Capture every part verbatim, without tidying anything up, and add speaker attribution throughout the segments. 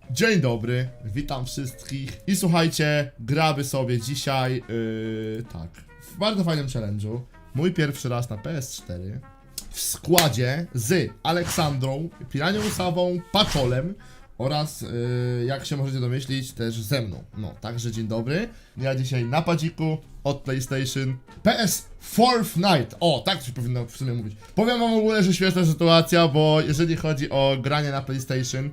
Speaker 1: Dzień dobry, witam wszystkich i słuchajcie, gramy sobie dzisiaj, yy, tak, w bardzo fajnym challenge'u. Mój pierwszy raz na P S cztery w składzie z Aleksandrą, Piranią Sawą, Paczolem oraz, yy, jak się możecie domyślić, też ze mną. No, także dzień dobry. Ja dzisiaj na padziku od PlayStation P S Fortnite. O, tak coś powinno w sumie mówić. Powiem wam w ogóle, że śmieszna sytuacja, bo jeżeli chodzi o granie na PlayStation,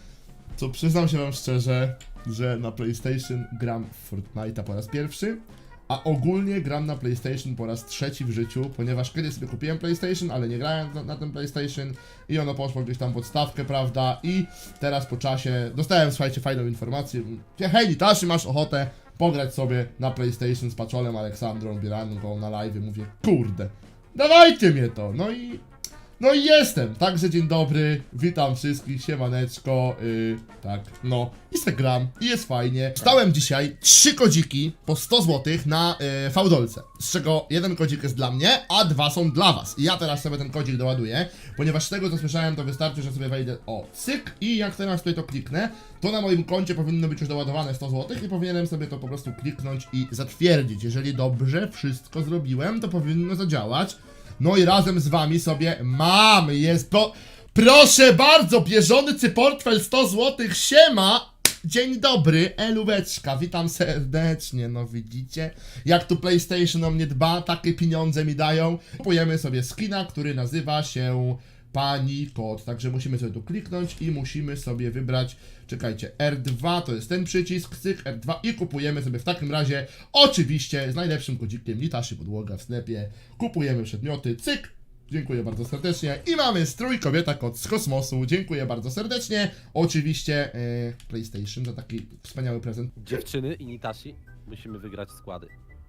Speaker 1: to przyznam się wam szczerze, że na PlayStation gram w Fortnite'a po raz pierwszy, a ogólnie gram na PlayStation po raz trzeci w życiu, ponieważ kiedyś sobie kupiłem PlayStation, ale nie grałem na, na tym PlayStation i ono poszło gdzieś tam pod stawkę, prawda, i teraz po czasie dostałem, słuchajcie, fajną informację, hej Nitashi, masz ochotę pograć sobie na PlayStation z Paczolem, Aleksandrą, Bieranką na live, mówię, kurde, dawajcie mnie to, no i... No i jestem, także dzień dobry, witam wszystkich, siemaneczko, yy, tak, no, Instagram i jest fajnie. Stałem dzisiaj trzy kodziki po sto złotych na yy, fałdolce, z czego jeden kodzik jest dla mnie, a dwa są dla was. I ja teraz sobie ten kodzik doładuję, ponieważ z tego co słyszałem to wystarczy, że sobie wejdę, o, cyk, i jak teraz tutaj to kliknę, to na moim koncie powinno być już doładowane sto złotych i powinienem sobie to po prostu kliknąć i zatwierdzić. Jeżeli dobrze wszystko zrobiłem, to powinno zadziałać. No i razem z wami sobie mamy, jest, pro, proszę bardzo, bieżący portfel sto złotych, siema, dzień dobry, elóweczka, witam serdecznie, no widzicie, jak tu PlayStation o mnie dba, takie pieniądze mi dają, kupujemy sobie skina, który nazywa się Pani Kot, także musimy sobie tu kliknąć i musimy sobie wybrać, czekajcie, R dwa to jest ten przycisk, cyk, R dwa i kupujemy sobie w takim razie, oczywiście z najlepszym kodzikiem Nitashi Podłoga w sklepie, kupujemy przedmioty, cyk, dziękuję bardzo serdecznie i mamy strój kobieta kot z kosmosu, dziękuję bardzo serdecznie, oczywiście e, PlayStation za taki wspaniały prezent.
Speaker 2: Dziewczyny i Nitashi musimy wygrać składy.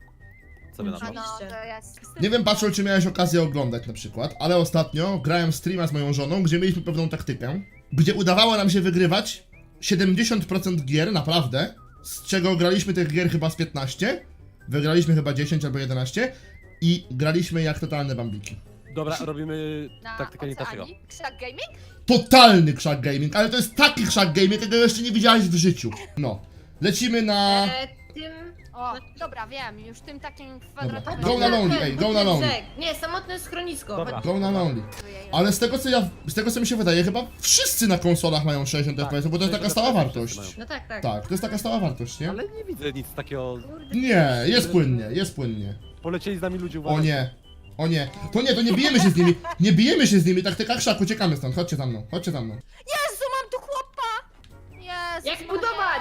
Speaker 2: Co wy na to?
Speaker 3: No, to jest...
Speaker 1: Nie wiem, Patrol, czy miałeś okazję oglądać na przykład, ale ostatnio grałem streama z moją żoną, gdzie mieliśmy pewną taktykę, gdzie udawało nam się wygrywać siedemdziesiąt procent gier, naprawdę, z czego graliśmy tych gier chyba z piętnaście, wygraliśmy chyba dziesięć albo jedenaście i graliśmy jak totalne bambiki.
Speaker 2: Dobra, robimy
Speaker 3: Na
Speaker 2: taktykę Nitashiego.
Speaker 3: Oceanii? Krzak Gaming?
Speaker 1: Totalny krzak gaming, ale to jest taki krzak gaming, jakiego jeszcze nie widziałeś w życiu. No, lecimy na...
Speaker 4: E, tym...
Speaker 3: O, dobra, wiem, już tym takim kwadratowym...
Speaker 1: Go na lonely, ej, go na lonely.
Speaker 4: Nie, samotne schronisko.
Speaker 2: Dobra.
Speaker 1: Go na lonely. Ale z tego co ja, z tego co mi się wydaje, chyba wszyscy na konsolach mają sześćdziesiąt
Speaker 2: Tak,
Speaker 1: F P S, bo to jest taka stała
Speaker 2: sześćdziesiąt
Speaker 1: wartość.
Speaker 2: wszyscy
Speaker 4: No tak, tak.
Speaker 1: Tak, to jest taka stała wartość, nie?
Speaker 2: Ale nie widzę nic takiego.
Speaker 4: Kurde.
Speaker 1: Nie, jest płynnie, jest płynnie.
Speaker 2: Polecieli z nami ludzie,
Speaker 1: O
Speaker 2: uważajcie.
Speaker 1: nie, o nie, to nie, to nie bijemy się z nimi, nie bijemy się z nimi, taktyka krzak, uciekamy stąd, chodźcie za mną, chodźcie za mną.
Speaker 3: Jezu, mam tu chłopa! Jezu,
Speaker 4: Jak budować?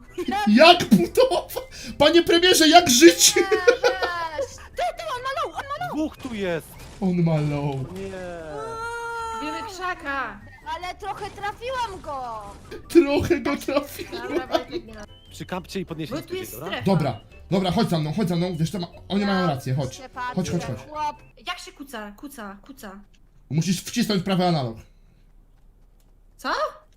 Speaker 1: Jak budować? Panie premierze, jak żyć?
Speaker 3: Nie, weź! Ty, ty, on ma low, on ma low!
Speaker 2: Dwóch tu jest!
Speaker 1: On ma low.
Speaker 2: Nie.
Speaker 4: Wiemy krzaka.
Speaker 3: Ale trochę trafiłam go!
Speaker 1: Trochę go trafiłem.
Speaker 4: Dobra, Wojtek, nie ma.
Speaker 2: Przykampcie i podnieście
Speaker 4: Bo tu jest
Speaker 2: dobra?
Speaker 4: strefa.
Speaker 1: Dobra, dobra, chodź za mną, chodź za mną, wiesz co, ma, oni mają rację, chodź.
Speaker 3: Się patrzę,
Speaker 1: Chodź, chodź, chodź.
Speaker 3: Chłop.
Speaker 4: Jak się kuca, kuca, kuca.
Speaker 1: Musisz wcisnąć prawy analog.
Speaker 4: Co?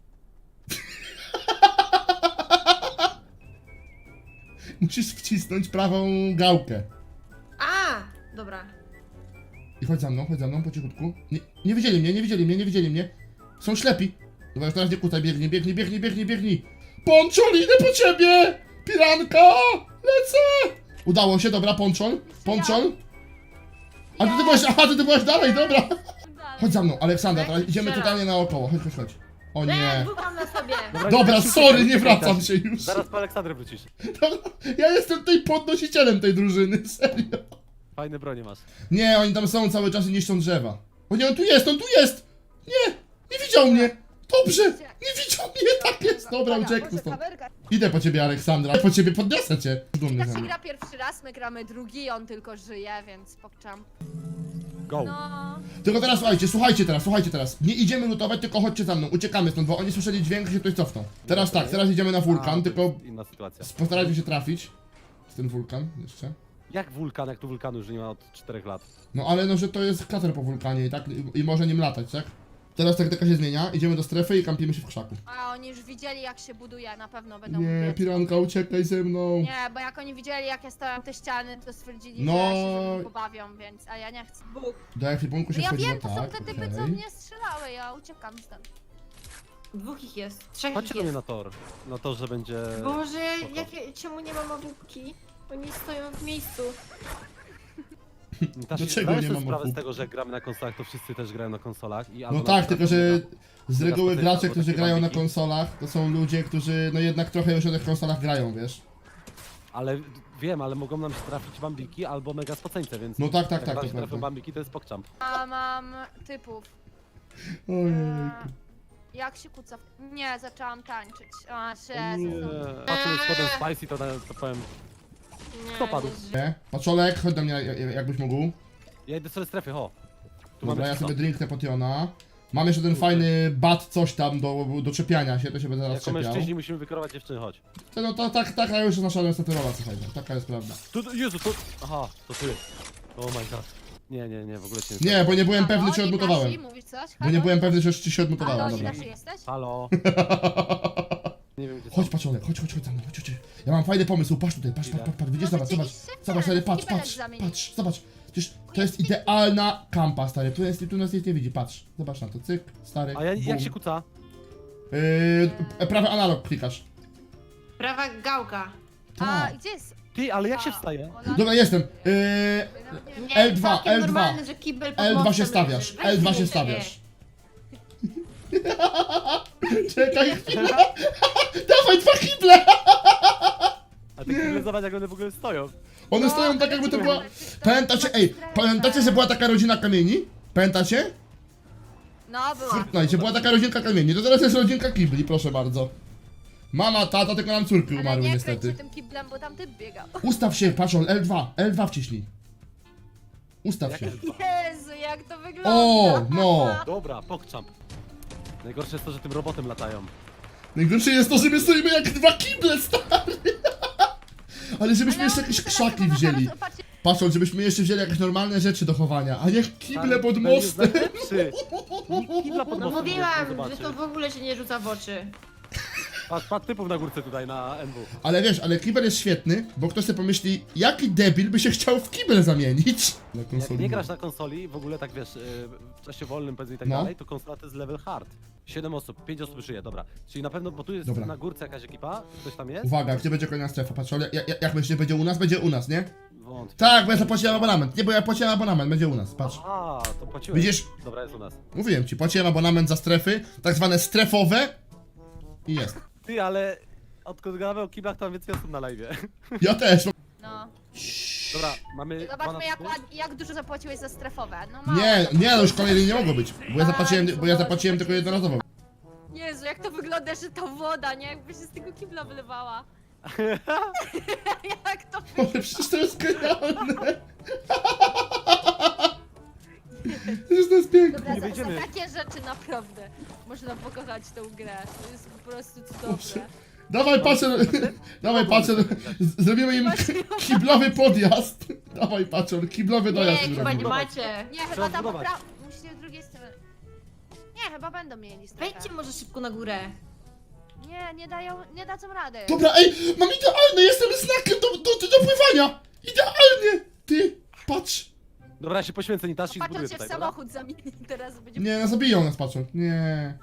Speaker 1: Musisz wcisnąć prawą gałkę.
Speaker 4: A, dobra.
Speaker 1: I chodź za mną, chodź za mną po cichutku. Nie, nie widzieli mnie, nie widzieli mnie, nie widzieli mnie. Są ślepi. Dobra, już teraz nie kutaj, biegnij, biegnij, biegnij, biegnij, biegnij. Ponczol, idę po ciebie! Piranka! Lecę! Udało się, dobra, ponczol, ponczol. A ty, ty byłeś, aha, ty, ty byłeś dalej, dobra. Chodź za mną, Aleksandra, teraz idziemy
Speaker 4: Strzelam.
Speaker 1: totalnie naokoło, chodź, chodź, chodź. O
Speaker 4: Nie,
Speaker 1: nie.
Speaker 4: dwóch mam na sobie.
Speaker 1: Dobra,
Speaker 2: nie,
Speaker 1: sorry, nie
Speaker 2: nie,
Speaker 1: wracam
Speaker 2: nie,
Speaker 1: się już.
Speaker 2: Zaraz po Aleksandrę wrócisz.
Speaker 1: Ja jestem tutaj podnosicielem tej drużyny, serio.
Speaker 2: Fajne bronie masz.
Speaker 1: Nie, oni tam są cały czas i niszczą drzewa. O nie, on tu jest, on tu jest! Nie, nie widział mnie! Dobrze, nie widział mnie, tak jest, dobra, uciekł stąd. Idę po ciebie, Aleksandra, po ciebie podniosę cię. Dumny
Speaker 3: Jak
Speaker 1: ze
Speaker 3: się
Speaker 1: mnie.
Speaker 3: gra pierwszy raz, my gramy drugi, on tylko żyje, więc pokczam.
Speaker 2: Go.
Speaker 3: No...
Speaker 1: Tylko teraz słuchajcie, słuchajcie teraz, słuchajcie teraz. Nie idziemy lutować, tylko chodźcie za mną, uciekamy stąd, bo oni słyszeli dźwięk i się tutaj cofną. Teraz tak, teraz idziemy na wulkan,
Speaker 2: A,
Speaker 1: tylko
Speaker 2: inna sytuacja.
Speaker 1: postarajcie się trafić. Z ten wulkan jeszcze.
Speaker 2: Jak wulkan, jak tu wulkanu już nie ma od czterech lat.
Speaker 1: No ale no, że to jest krater po wulkanie i tak, i, i może nim latać, tak? Teraz taktyka się zmienia, idziemy do strefy i kampimy się w krzaku.
Speaker 3: A oni już widzieli jak się buduje, na pewno będą
Speaker 1: Nie,
Speaker 3: biec.
Speaker 1: piranka, uciekaj ze mną.
Speaker 3: Nie, bo jak oni widzieli jak ja stałem te ściany, to stwierdzili,
Speaker 1: No.
Speaker 3: że się ze mną pobawią, więc... A ja nie chcę.
Speaker 4: Bóg.
Speaker 1: Do ekwipunku się
Speaker 3: Ja
Speaker 1: wchodziło
Speaker 3: wiem, to są
Speaker 1: tak,
Speaker 3: te typy,
Speaker 1: okej.
Speaker 3: co mnie strzelały, ja uciekam stąd.
Speaker 4: Dwóch ich jest. Trzech
Speaker 2: Chodźcie
Speaker 4: ich
Speaker 2: do mnie
Speaker 4: jest.
Speaker 2: na tor. Na torze będzie...
Speaker 4: Boże,
Speaker 2: spoko.
Speaker 4: jakie, czemu nie mam obłupki? Oni stoją w miejscu.
Speaker 2: Tasi,
Speaker 1: Dlaczego
Speaker 2: zdajesz
Speaker 1: nie
Speaker 2: sobie
Speaker 1: mam
Speaker 2: sprawę z
Speaker 1: obłupki?
Speaker 2: tego, że jak gramy na konsolach, to wszyscy też grają na konsolach i
Speaker 1: No
Speaker 2: albo na
Speaker 1: tak,
Speaker 2: przykład
Speaker 1: tylko że
Speaker 2: mega-
Speaker 1: z
Speaker 2: mega
Speaker 1: reguły
Speaker 2: spotyka,
Speaker 1: gracze,
Speaker 2: albo
Speaker 1: którzy
Speaker 2: takie
Speaker 1: grają na
Speaker 2: bambiki.
Speaker 1: konsolach, to są ludzie, którzy no jednak trochę już na tych konsolach grają, wiesz?
Speaker 2: Ale wiem, ale mogą nam się trafić bambiki albo mega spoceńce, więc...
Speaker 1: No tak, tak,
Speaker 2: jak
Speaker 1: tak,
Speaker 2: nam
Speaker 1: to
Speaker 2: się trafią
Speaker 1: prawda.
Speaker 2: bambiki, to jest pokczamp.
Speaker 3: A mam typów.
Speaker 1: Ojej.
Speaker 3: Jak się kuca? w- Nie, zaczęłam tańczyć. A,
Speaker 2: Nie.
Speaker 3: Jezu.
Speaker 2: Patrząc potem spicy, to, to powiem...
Speaker 4: Nie,
Speaker 2: Kto padł?
Speaker 4: nie żyję.
Speaker 1: Nie? Paczolek, chodź do mnie jak- jakbyś mógł.
Speaker 2: Ja idę sobie strefy, ho. Tu
Speaker 1: Dobra, ja
Speaker 2: czysto.
Speaker 1: sobie drinknę potiona. Mam jeszcze ten fajny bat coś tam do, do czepiania się, to się będę zaraz
Speaker 2: Jako
Speaker 1: czepiał.
Speaker 2: mężczyźni musimy wykorować dziewczyny, chodź.
Speaker 1: No to tak, taka już jest nasza niestety rola, słuchajcie, taka jest prawda.
Speaker 2: Tu, tu- Jezu, to... Aha, to ty. Oh my god. Nie, nie, nie, w ogóle cię
Speaker 1: Nie, bo nie byłem
Speaker 3: Halo,
Speaker 1: pewny, czy
Speaker 3: Nitashi,
Speaker 1: odmutowałem.
Speaker 3: mówisz coś?
Speaker 1: Bo nie
Speaker 3: Halo?
Speaker 1: byłem pewny, że ci się odmutowałem,
Speaker 3: Halo,
Speaker 1: dobra.
Speaker 3: Nitashi, jesteś?
Speaker 2: Halo. Nie wiem, gdzie
Speaker 1: Chodź
Speaker 2: są.
Speaker 1: Paczolek, chodź, chodź, chodź za mną, chodź, chodź. Ja mam fajny pomysł, patrz tutaj, patrz, patrz, patrz, patrz, widzisz, zobacz, zobacz.
Speaker 3: Rzeczywiście?
Speaker 1: Zobacz, stary, patrz,
Speaker 3: Kibelek
Speaker 1: patrz,
Speaker 3: zamienić.
Speaker 1: patrz, zobacz. Przecież to jest idealna kampa, stary, tu, jest, tu nas nic nie widzi, patrz. Zobacz na to, cyk, stary,
Speaker 2: A ja,
Speaker 1: bum.
Speaker 2: jak się kuca?
Speaker 1: Yy, prawy analog klikasz.
Speaker 4: Prawa gałka.
Speaker 3: A,
Speaker 1: Tak.
Speaker 3: gdzie jest?
Speaker 2: Ty, ale jak się
Speaker 3: A,
Speaker 2: wstaje?
Speaker 3: Ola-
Speaker 1: Dobra, jestem. Yy,
Speaker 3: Nawet nie wiem.
Speaker 4: Nie,
Speaker 1: L dwa,
Speaker 4: całkiem
Speaker 1: L dwa.
Speaker 4: normalne, że kibel pod
Speaker 1: L dwa
Speaker 4: mostem
Speaker 1: się stawiasz,
Speaker 4: leży. Weź
Speaker 1: L dwa
Speaker 4: mnie,
Speaker 1: się
Speaker 4: nie.
Speaker 1: stawiasz. Czekaj chwilę. Dawaj dwa kible!
Speaker 2: A ty kible zobacz, jak one w ogóle stoją.
Speaker 1: One
Speaker 3: No,
Speaker 1: stoją tak jakby to
Speaker 3: wiecie,
Speaker 1: była...
Speaker 3: ale to-
Speaker 1: Pamiętacie, ej, pamiętacie, że była taka rodzina kamieni? Pamiętacie?
Speaker 3: No, była.
Speaker 1: Fortnite, była taka rodzinka kamieni, to teraz jest rodzinka kibli, proszę bardzo. Mama, tata, tylko nam córki
Speaker 3: Ale
Speaker 1: umarły
Speaker 3: nie
Speaker 1: niestety.
Speaker 3: kręć się tym kiblem, bo tam typ biegał.
Speaker 1: Ustaw się, patrz, L dwa, L dwa wciśnij. Ustaw
Speaker 2: Jak
Speaker 1: się.
Speaker 2: jest dwa?
Speaker 3: Jezu, jak to wygląda.
Speaker 1: O, no.
Speaker 2: Dobra, pokczamp. Najgorsze jest to, że tym robotem latają.
Speaker 1: Najgorsze jest to, że my stoimy jak dwa kible, stary. Ale żebyśmy jeszcze jakieś krzaki wzięli.
Speaker 3: Patrzcie,
Speaker 1: Patrzą, żebyśmy jeszcze wzięli jakieś normalne rzeczy do chowania, a nie kible
Speaker 2: Stary,
Speaker 1: pod
Speaker 2: ten jest
Speaker 1: mostem.
Speaker 2: najlepszy. Nikt kibla pod
Speaker 4: No
Speaker 2: mostem nie
Speaker 4: mówiłam,
Speaker 2: zobaczy.
Speaker 4: że to w ogóle się nie rzuca w oczy.
Speaker 2: Patrz, patrz typów na górce tutaj na N W.
Speaker 1: Ale wiesz, ale kibel jest świetny, bo ktoś sobie pomyśli, jaki debil by się chciał w kibel zamienić. Na
Speaker 2: Jak
Speaker 1: konsoli.
Speaker 2: nie grasz na konsoli, w ogóle tak wiesz, yy, w czasie wolnym powiedzmy i tak
Speaker 1: No.
Speaker 2: dalej, to konsola to jest level hard. siedem osób, pięć osób żyje, dobra. Czyli na pewno, bo tu jest
Speaker 1: Dobra.
Speaker 2: na górce jakaś ekipa, ktoś tam jest?
Speaker 1: Uwaga, gdzie będzie kolejna strefa? Patrz, ale jak, jak, jak myślisz, będzie u nas? Będzie u nas, nie?
Speaker 2: Wątpię.
Speaker 1: Tak, bo ja zapłaciłem abonament. Nie, bo ja płaciłem abonament, będzie u nas, patrz.
Speaker 2: Aha, to płaciłeś.
Speaker 1: Widzisz?
Speaker 2: Dobra, jest u nas.
Speaker 1: Mówiłem ci, płaciłem abonament za strefy, tak zwane strefowe. I jest.
Speaker 2: Ty, ale odkąd gadamy o kiblach, to mam więcej osób na live.
Speaker 1: Ja też.
Speaker 3: no.
Speaker 2: Dobra, mamy dwa na
Speaker 3: Zobaczmy jak,
Speaker 2: trzy.
Speaker 3: ład- jak dużo zapłaciłeś za strefowe. No mało
Speaker 1: Nie,
Speaker 3: zapłaciłeś.
Speaker 1: nie, no już kolejnej nie mogło być. Bo ja zapłaciłem, bo ja zapłaciłem tylko jednorazowo.
Speaker 3: Jezu, jak to wygląda, że to woda, nie? Jakby się z tego kibla wylewała. Jak to
Speaker 1: Ale przecież to jest genialne. Przecież to jest piękne.
Speaker 3: Dobra,
Speaker 2: Nie
Speaker 3: za,
Speaker 2: wejdziemy.
Speaker 3: za takie rzeczy naprawdę można pokochać tą grę. To jest po prostu cudowne.
Speaker 1: Dawaj patrzę, dawaj patrzę, z- zrobimy im k- kiblowy podjazd. Dawaj patrzę, kiblowy
Speaker 4: Nie,
Speaker 1: dojazd
Speaker 4: chyba nie
Speaker 1: zrobimy.
Speaker 4: macie.
Speaker 3: Nie, chyba
Speaker 2: Trzeba
Speaker 3: tam
Speaker 2: zbudować.
Speaker 3: popra... Musicie z drugiej strony. Nie, chyba będą mieli strefę.
Speaker 4: Wejdźcie może szybko na górę.
Speaker 3: Nie, nie dają, nie dadzą rady.
Speaker 1: Dobra, ej, mam idealny, jestem znakiem do, do, do, do pływania. Idealnie. Ty, patrz.
Speaker 2: Dobra, ja się poświęcę Nitashi i
Speaker 3: Patrzą
Speaker 2: zbuduję
Speaker 3: się w
Speaker 2: tutaj, dobra?
Speaker 3: samochód zamieni teraz będzie...
Speaker 1: Nie, no zabiją nas, patrzą. Nie.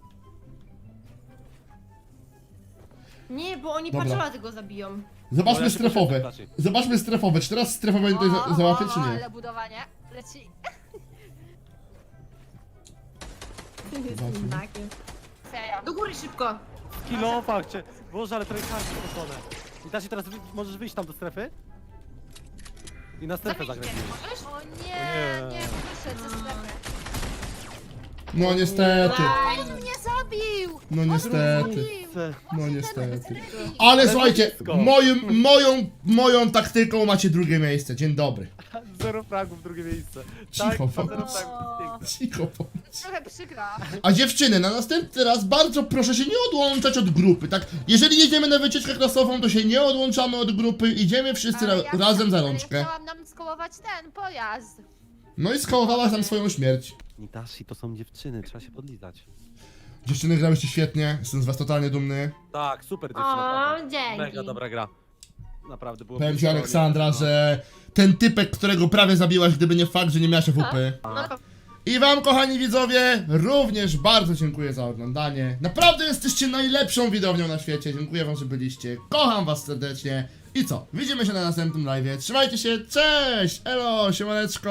Speaker 4: Nie, bo oni
Speaker 1: Dobra.
Speaker 4: patrzola tego zabiją.
Speaker 1: Zobaczmy
Speaker 2: No, ja się
Speaker 1: strefowe.
Speaker 2: poświęcę, Nitashi.
Speaker 1: Zobaczmy strefowe. Czy teraz strefowe tutaj za, załatwię, czy nie?
Speaker 3: ale budowanie leci.
Speaker 1: Zobaczmy.
Speaker 4: Znakiem.
Speaker 3: Serio.
Speaker 4: Do góry szybko.
Speaker 2: Kilofa, cię. Boże, ale trochę kasy poszone. Nitashi, teraz wy, możesz wyjść tam do strefy? I na strefę
Speaker 4: Zabijcie,
Speaker 2: zagrać.
Speaker 4: możesz?
Speaker 3: O nie,
Speaker 2: nie.
Speaker 3: nie, wyszedł ze strefy.
Speaker 1: No niestety.
Speaker 4: Aj.
Speaker 3: On mnie zabił!
Speaker 1: No
Speaker 3: On
Speaker 1: niestety.
Speaker 3: mnie zabił!
Speaker 1: No
Speaker 3: Właśnie
Speaker 1: niestety.
Speaker 3: ten Revi.
Speaker 1: Ale
Speaker 2: Ale
Speaker 1: słuchajcie,
Speaker 2: blisko.
Speaker 1: moją, moją, moją taktyką macie drugie miejsce. Dzień dobry.
Speaker 2: Zero fragów, drugie miejsce.
Speaker 1: Cicho,
Speaker 2: tak,
Speaker 1: bo-
Speaker 2: zero fragów, pięknie.
Speaker 1: Cicho bądź.
Speaker 3: Trochę przykra.
Speaker 1: A dziewczyny, na następny raz bardzo proszę się nie odłączać od grupy, tak? Jeżeli jedziemy na wycieczkę klasową, to się nie odłączamy od grupy, idziemy wszyscy ra
Speaker 3: Ale ja
Speaker 1: razem za
Speaker 3: ale
Speaker 1: rączkę.
Speaker 3: Ja chciałam nam skołować ten pojazd.
Speaker 1: No i skołowałaś nam swoją śmierć.
Speaker 2: Nitashi, to są dziewczyny, trzeba się podlizać.
Speaker 1: Dziewczyny grałyście świetnie, jestem z was totalnie dumny.
Speaker 2: Tak, super dziewczyna, naprawdę.
Speaker 4: O, dzięki.
Speaker 2: Mega dobra gra. Naprawdę było...
Speaker 1: Powiem ci
Speaker 2: blisko,
Speaker 1: Aleksandra,
Speaker 2: nie-
Speaker 1: że ten typek, którego prawie zabiłaś, gdyby nie fakt, że nie miałaś A W P.
Speaker 4: No,
Speaker 1: I wam, kochani widzowie, również bardzo dziękuję za oglądanie. Naprawdę jesteście najlepszą widownią na świecie. Dziękuję wam, że byliście. Kocham was serdecznie. I co? Widzimy się na następnym live'ie. Trzymajcie się, cześć! Elo, siemaneczko!